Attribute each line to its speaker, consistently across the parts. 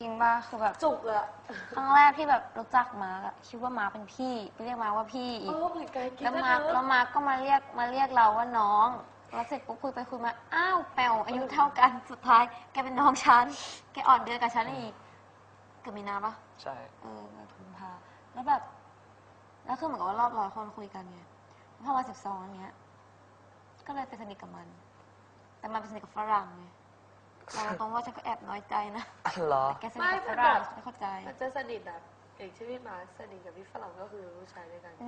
Speaker 1: จริงป่ะคือแบบ
Speaker 2: จุกอะ
Speaker 1: ครั้งแรกที่แบบรู้จักมาร์กอะคิดว่ามาร์กเป็นพี่ไปเรียกมาร์กว่าพี่อีก
Speaker 2: เหมือนกัน
Speaker 1: แล้วมาร์กก็มาเรียกเราว่าน้องแล้วเสร็จปุ๊บคุยไปคุยมาอ้าวแปวอายุเท่ากันสุดท้ายแกเป็นน้องฉันแกอ่อนเดือนกับฉันอีกเกือบมีนาปะ
Speaker 3: ใช่
Speaker 1: กุมภาแล้วแบบแล้วคือเหมือนกับว่ารอบ100 คนคุยกันไงพอมา12อย่างเงี้ยก็เลยไปสนิทกับมันแต่มันไปสนิทกับฝรั่งไงเราตรงว่าฉันก็แอบน้อยใจนะ
Speaker 3: เหรอ
Speaker 1: แต่แกสนิทกับฝรั่งไม่เข้าใจ
Speaker 2: มันจะสนิทแบบอย่างที่พี่มาสนิทกับพี่ฝรั่งก็คือผู้ชายด้วยกัน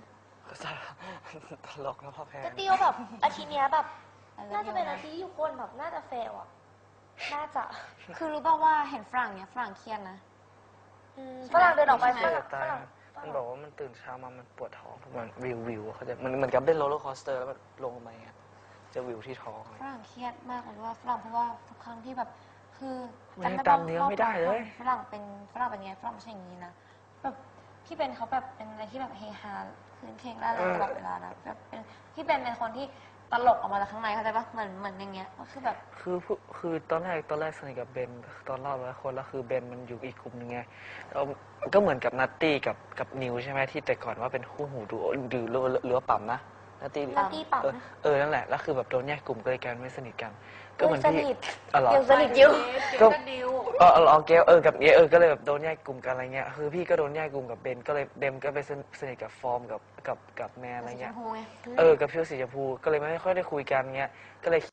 Speaker 3: ตลกนะพ่อแพง
Speaker 4: ก็ติวแบบอาทิตย์เนี้ยแบบน่าจะเป็นอาทิตย์ที่อยู่คนแบบน่าจะเฟลอ่ะน่าจะ
Speaker 1: คือรู้ป่าวว่าเห็นฝรั่งเนี้ยฝรั่งเครียดนะ
Speaker 4: ฝรั่งเดินออกไปฝรั่ง
Speaker 3: มันบอกว่ามันตื่นเช้ามามันปวดท้องทุกวันวิวเขาจะมันเหมือนกับเล่นโรลเลอร์คอสเตอร์แล้วมันลงมาจะวิวที่ท้อง
Speaker 1: ฝรั่งเครียดมากเลยว่าฝรั่งเพราะว่าทุกครั้งที่แบบคือ
Speaker 3: จำเนื้อไม่ได้เลย
Speaker 1: ฝรั่งเป็นไงฝรั่งไม่ใช่อย่างนี้นะแบบพี่เป็นเขาแบบเป็นอะไรที่แบบเฮฮาคืนเคงร่าเริงตลอดเวลานะแบบเป็นพี่เป็นคนที่ตลกออกมาจากข้างในเข้าใจปะเหมือนอย่างเงี้ยก็คือแบบ
Speaker 3: คือตอนแรกสนิทกับเบนตอนเล่า100 คนแล้วคือเบนมันอยู่อีกกลุ่มนึงไงแล้วก็เหมือนกับนัตตี้กับนิวใช่ไหมที่แต่ก่อนว่าเป็นคู่หูดูหรือว่าปั๊มนะนัตตี้
Speaker 4: ปั๊ม
Speaker 3: นั่นแหละแล้วคือแบบโดนแยกกลุ่มก็เลยกันไม่สนิทกันก็เหมือนพี่
Speaker 4: ยังสนิทอยู่
Speaker 3: ก็เกลกับก็เลยแบบโดนแยกกลุ่มกันอะไรเงี้ยคือพี่ก็โดนแยกกลุ่มกับเบนก็เลยเบนก็ไปสนิทกับฟอร์มกับแมนอะไรเงี้ยกับพี่สีชมพูก็เลยไม่ค่อยได้คุยกันเงี้ยก็เลย